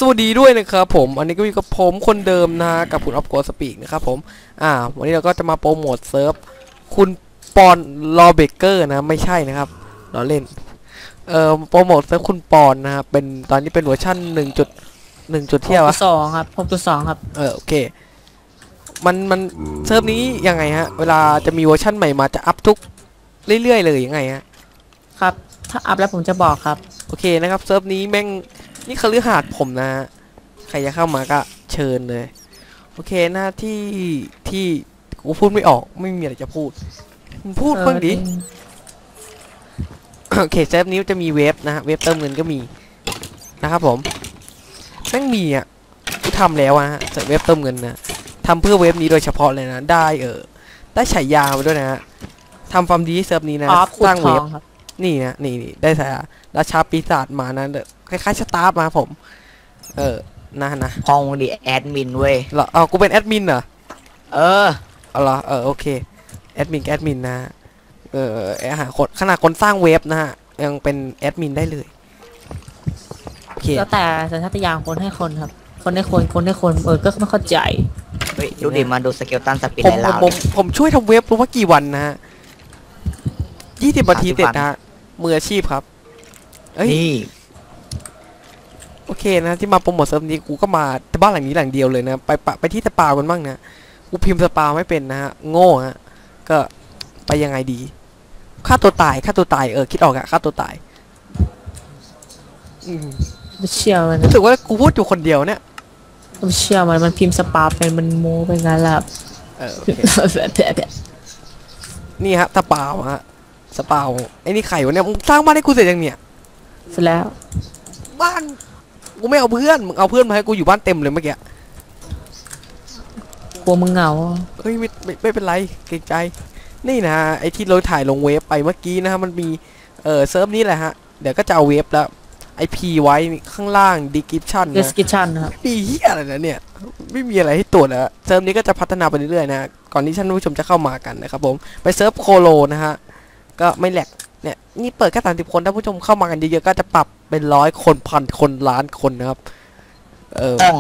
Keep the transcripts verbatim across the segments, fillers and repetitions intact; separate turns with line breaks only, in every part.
วัสดีด้วยนะครับผมอันนี้ก็อยู่กับผมคนเดิมนะกับคุณออฟโกสปีกนะครับผมอ่าวันนี้เราก็จะมาโปรโมทเซิร์ฟคุณปอนลอเบเกอร์นะไม่ใช่นะครับเราเล่นเอ่อโปรโมทเซิร์ฟคุณปอนนะครับเป็นตอนนี้เป็นเวอร์ชันหนึ่งจุดหนึ่งจุดเที่ยวอะ
สองครับหกจุดสองครับ
เออโอเคมันมันเซิร์ฟนี้ยังไงฮะเวลาจะมีเวอร์ชันใหม่มาจะอัพทุกเรื่อยๆเลยยังไงฮะ
ครับถ้าอัพแล้วผมจะบอกครับ
โอเคนะครับเซิร์ฟนี้แม่งนี่คฤหาสน์ผมนะใครจะเข้ามาก็เชิญเลยโอเคหน้าที่ที่กูพูดไม่ออกไม่มีอะไรจะพูดมึงพูดบ้างดิโอเคเซิร์ฟนี้จะมีเว็บนะฮะเว็บเติมเงินก็มีนะครับผมแม่งมีอ่ะกูทำแล้วอะฮะเว็บเติมเงินนะทำเพื่อเว็บนี้โดยเฉพาะเลยนะได้เออได้ฉายามาด้วยนะฮะทำฟาร์มดีเซิร์ฟนี้นะสร้างเว็บนี่นะนี่นี่ได้ฉายาราชาปีศาจมานะเด้อคล้ายๆสตาร์ฟมาผมเออนะนะ
พองดิแอดมินเว้ย
เหรอเอากูเป็นแอดมินเหรอ
เออ
เอาเหรอเออโอเคแอดมินแอดมินนะเออหาคนขนาดคนสร้างเว็บนะฮะยังเป็นแอดมินได้เลยโอเค
แล้วแต่สัญชาตญาณคนให้คนครับคนให้คนคนให้คนเออก็ไม่เข้าใจ
เฮ้ยดูดิมาดูสเกลตันสปินไลน์เรา
ผมผมช่วยทำเว็บรู้ว่ากี่วันนะฮะยี่สิบนาทีเสร็จนะมืออาชีพครับ
นี่
โอเคนะที่มาโปรโมทเซิร์ฟนี้กูก็มาแต่บ้านหลังนี้หลังเดียวเลยนะไปปะไปที่สปากันบ้างนะกูพิมพ์สปาไม่เป็นนะฮะโง่ฮะก็ไปยังไงดีฆ่าตัวตายฆ่าตัวตายเออคิดออกอะฆ่าตัวตาย
ไม่เชื่อมัน
รู้สึกว่ากูพูดอยู่คนเดียวเนี่ย
ไม่เชื่อมันมันพิมพ์สปาเป็นมันโม้เป็นงั้นแหละ
เออนี่ฮะสปาฮะสปาไอ้นี่ไข่วะเนี่ยมึงสร้างบ้านให้กูเสร็จยังเนี่ย
เสร็จแล้ว
บ้านกูไม่เอาเพื่อนมึงเอาเพื่อนมาให้กูอยู่บ้านเต็มเลยเมื่อกี้
กลัวมึงเหงา
เฮ้ยไม่ไม่ไม่เป็นไรเกรงใจนี่นะไอที่เราถ่ายลงเว็บไปเมื่อกี้นะฮะมันมีเออเซิร์ฟนี้แหละฮะเดี๋ยวก็จะเอาเว็บแล้วไอพีไว้ข้างล่าง description นะ
description นะครับ
มีเหี้ยอะไรนะเนี่ยไม่มีอะไรให้ตรวจแล้วเซิร์ฟนี้ก็จะพัฒนาไปเรื่อยๆนะก่อนที่ท่านผู้ชมจะเข้ามากันนะครับผมไปเซิร์ฟโคโลนะฮะก็ไม่แหลกเนี่ยนี่เปิดแค่สามสิบคนถ้าผู้ชมเข้ามากันเยอะๆก็จะปรับเป็นร้อยคนพันคนล้านคนนะครับเออ
ต้อง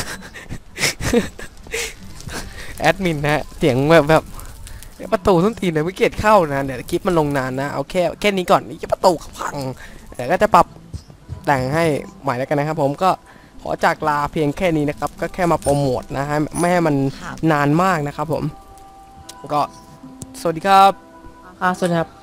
แอดมินนะเสียงแบบแบบประตูส้นตีนเนี่ยไม่เกียดเข้านะเดี๋ยวคลิปมันลงนานนะเอาแค่แค่นี้ก่อนนี่ประตูพังแต่ก็จะปรับแต่งให้ใหม่แล้วกันนะครับผมก็ขอจากลาเพียงแค่นี้นะครับก็แค่มาโปรโมทนะฮะไม่ให้มันนานมากนะครับผมก็สวัสดีครับ
ค่ะสวัสดีครับ